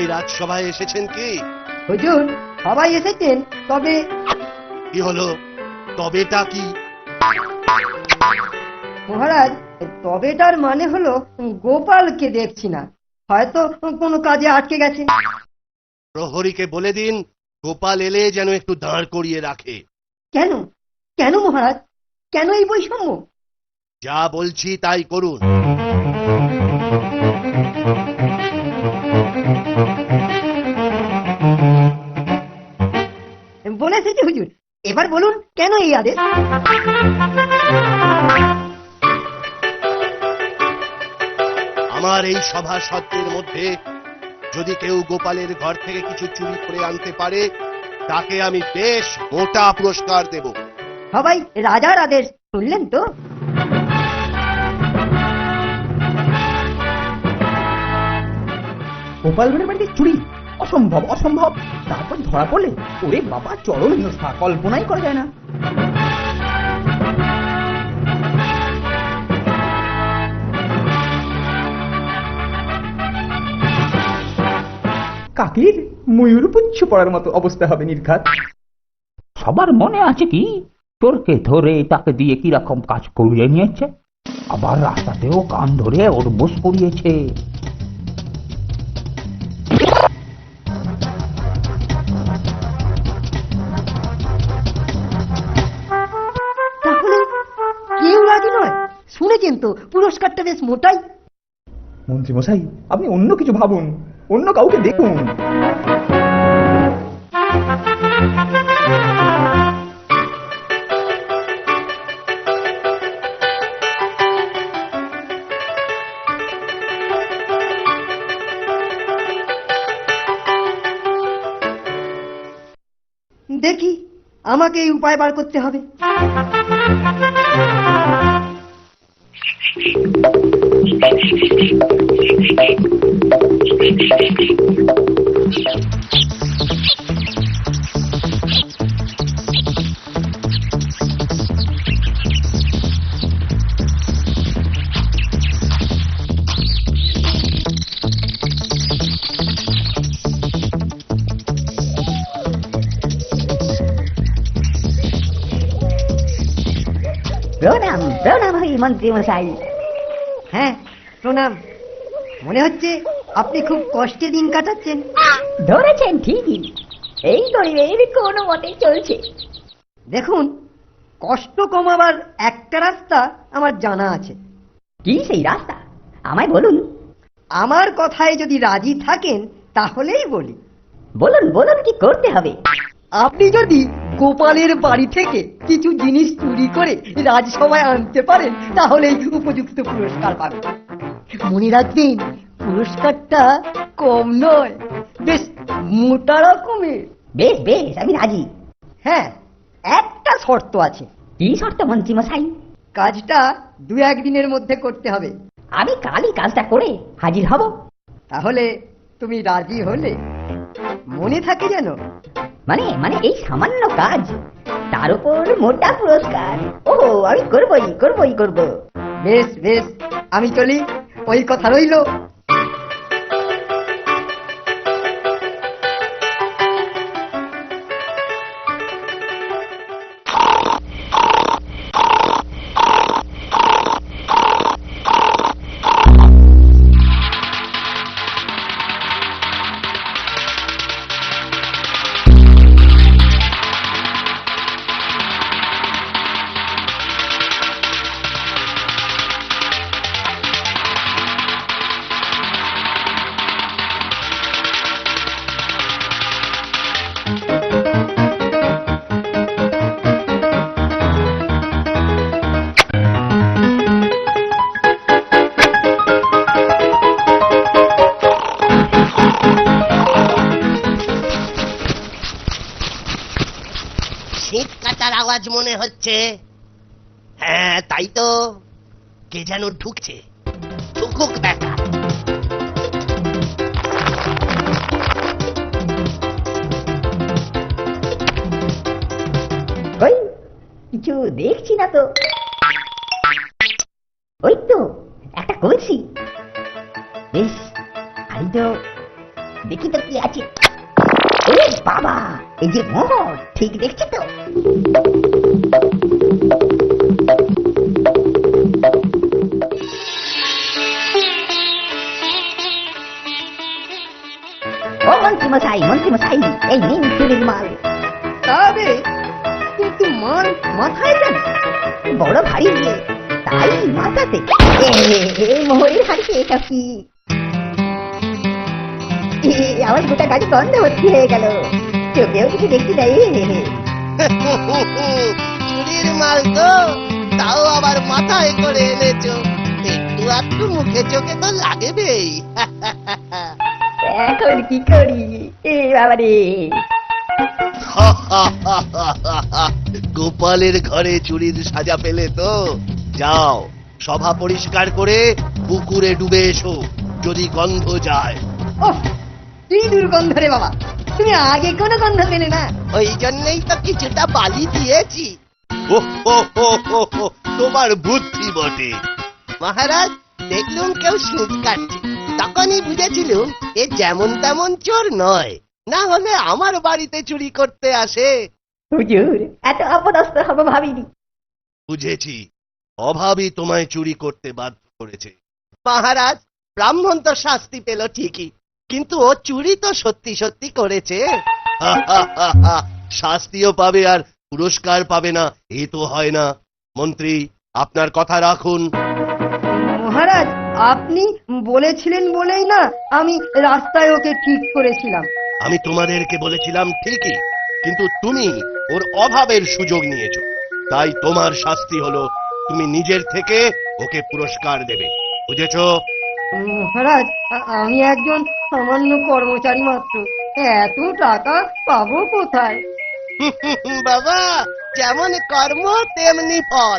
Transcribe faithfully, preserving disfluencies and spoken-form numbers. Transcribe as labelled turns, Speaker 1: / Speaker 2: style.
Speaker 1: সবাই রাজসভায় এসেছেন কি?
Speaker 2: হুজুর, সবাই এসেছেন, তবে
Speaker 1: কি হলো? তবেটা কি?
Speaker 2: মহারাজ, তবেটার মানে হলো গোপালকে দেখছি না, হয়তো কোনো কাজে আটকে গেছে।
Speaker 1: প্রহরীকে বলে দিন গোপাল এলে যেন একটু দাঁড় করিয়ে রাখে।
Speaker 2: কেন কেন মহারাজ, কেন এই বৈষম্য?
Speaker 1: যা বলছি তাই করুন।
Speaker 2: বলে এসেছি হুজুর, এবার বলুন কেন এই আদেশ?
Speaker 1: আমার এই সভাসদের মধ্যে যদি কেউ গোপালের ঘর থেকে কিছু চুরি করে আনতে পারে তাকে আমি বেশ মোটা পুরস্কার দেব।
Speaker 2: সবাই রাজার আদেশ শুনলেন তো?
Speaker 3: গোপাল ভাঁড়ের বাড়িতে চুরি? অসম্ভব, অসম্ভব। তারপর ধরা পড়লে ওরে বাবা, চরম হিংসা, কল্পনাই করা যায় না। কাকির ময়ূর পুচ্ছ পড়ার মতো অবস্থা হবে নির্ঘাত।
Speaker 4: সবার মনে আছে কি চোরকে ধরে তাকে দিয়ে কিরকম কাজ করিয়ে নিয়েছে, আবার রাস্তাতেও কান ধরে ওর বোস করিয়েছে।
Speaker 2: তাহলে কেউ রাজি নয়? শুনেছেন তো পুরস্কারটা বেশ মোটাই।
Speaker 3: মন্ত্রী মশাই, আপনি অন্য কিছু ভাবুন, অন্য কাউকে দেখুন।
Speaker 2: দেখি, আমাকে এই উপায় বার করতে হবে।
Speaker 5: প্রণাম প্রণাম হই মন্ত্রী মশাই।
Speaker 2: হ্যাঁ, প্রণাম। মনে হচ্ছে আপনি খুব কষ্টে দিন কাটাচ্ছেন।
Speaker 5: ধরেছেন ঠিকই, এই গরিবের কোনো মতে চলছে।
Speaker 2: দেখুন, কষ্ট কমাবার একটা রাস্তা আমার জানা আছে।
Speaker 5: কি সেই রাস্তা, আমায় বলুন।
Speaker 2: আমার কথায় যদি রাজি থাকেন তাহলেই বলি।
Speaker 5: বলুন বলুন, কি করতে হবে?
Speaker 2: আপনি যদি গোপালের বাড়ি থেকে কিছু জিনিস চুরি করে রাজসভায় আনতে পারেন তাহলেই উপযুক্ত পুরস্কার পাবেন। মনে রাখবেন, পুরস্কারটা কম নয়, বেশ মোটা রকমের।
Speaker 5: বেশ বেশ, আমি রাজি।
Speaker 2: হ্যাঁ, একটা শর্ত আছে।
Speaker 5: কি শর্ত মন্ত্রী মশাই?
Speaker 2: কাজটা দু একদিনের মধ্যে করতে হবে।
Speaker 5: আমি কালই কাজটা করে হাজির হব।
Speaker 2: তাহলে তুমি রাজি হলে? মনে থাকে যেন।
Speaker 5: মানে মানে এই সামান্য কাজ, তার উপর মোটা পুরস্কার। ও, আমি করবই করবই করব।
Speaker 2: বেশ বেশ, আমি চলি, ওই কথা রইল।
Speaker 1: শীত কাটার আওয়াজ মনে হচ্ছে। হ্যাঁ তাই তো, কে যেন ঢুকছে। ঢুকুক দেখা।
Speaker 5: ওই কিছু দেখছি না তো। ওই তো একটা কলসি। বেশ, ভারী তো দেখি তো কি আছে। ওরে বাবা, এই যে মোহর, ঠিক দেখছি তো। ও মন্ত্রী মশাই, মন্ত্রী মশাই, এই নিন চুরির মাল।
Speaker 2: তবে কিন্তু মাল মাথায় কেন?
Speaker 5: বড় ভারী যে, তাই মাথাতে। এ, এ, মোহরের হাড়িতে এটা কি? এ, আমার গোটা গাড়ি বন্ধ ভর্তি হয়ে গেল, চোখেও কিছু দেখতে যাই।
Speaker 1: চুরির মাল তো, তাও আবার মাথায় করে এনেছো, একটু একটু মুখে চোখে তো লাগবেই।
Speaker 5: এখন কি করি? এ বাবা রে,
Speaker 1: গোপালের ঘরে চুরির সাজা পেলে তো, যাও সভা পরিষ্কার করে পুকুরে ডুবে এসো, যদি গন্ধ যায়।
Speaker 2: ওহ, কি দুর্গন্ধ রে বাবা, তুমি আগে কোনো গন্ধ পেলে না?
Speaker 1: ওই জন্যই তো কিছুটা বালি দিয়েছি। ও হো হো হো হো, তোমার বুদ্ধি বটে। মহারাজ, দেখলুম কেউ সুদ কাটছে, তখনই বুঝেছিলুম এ যেমন তেমন চোর নয়, না হলে আমার বাড়িতে চুরি করতে আসে।
Speaker 5: হুজুর, এত অপদস্থ হব ভাবিনি।
Speaker 1: বুঝেছি, অভাবই তোমায় চুরি করতে বাধ্য করেছে। মহারাজ, ব্রাহ্মণ তো শাস্তি পেল ঠিকই, কিন্তু ও চুরি তো সত্যি সত্যি করেছে। শাস্তিও পাবে আর পুরস্কার পাবে না, এ তো হয় না। মন্ত্রী, আপনার কথা রাখুন।
Speaker 2: মহারাজ, আপনি বলেছিলেন বলেই না আমি রাস্তায় ওকে ঠিক করেছিলাম।
Speaker 1: আমি তোমাদেরকে বলেছিলাম ঠিকই, কিন্তু তুমি ওর অভাবের সুযোগ নিয়েছো, তাই তোমার শাস্তি হলো তুমি নিজের থেকে ওকে পুরস্কার দেবে, বুঝেছো?
Speaker 2: মহারাজ, আ- আমি একজন সামান্য কর্মচারী মাত্র, এত টাকা পাবো কোথায়?
Speaker 1: বাবা, যেমন কর্ম তেমনি ফল।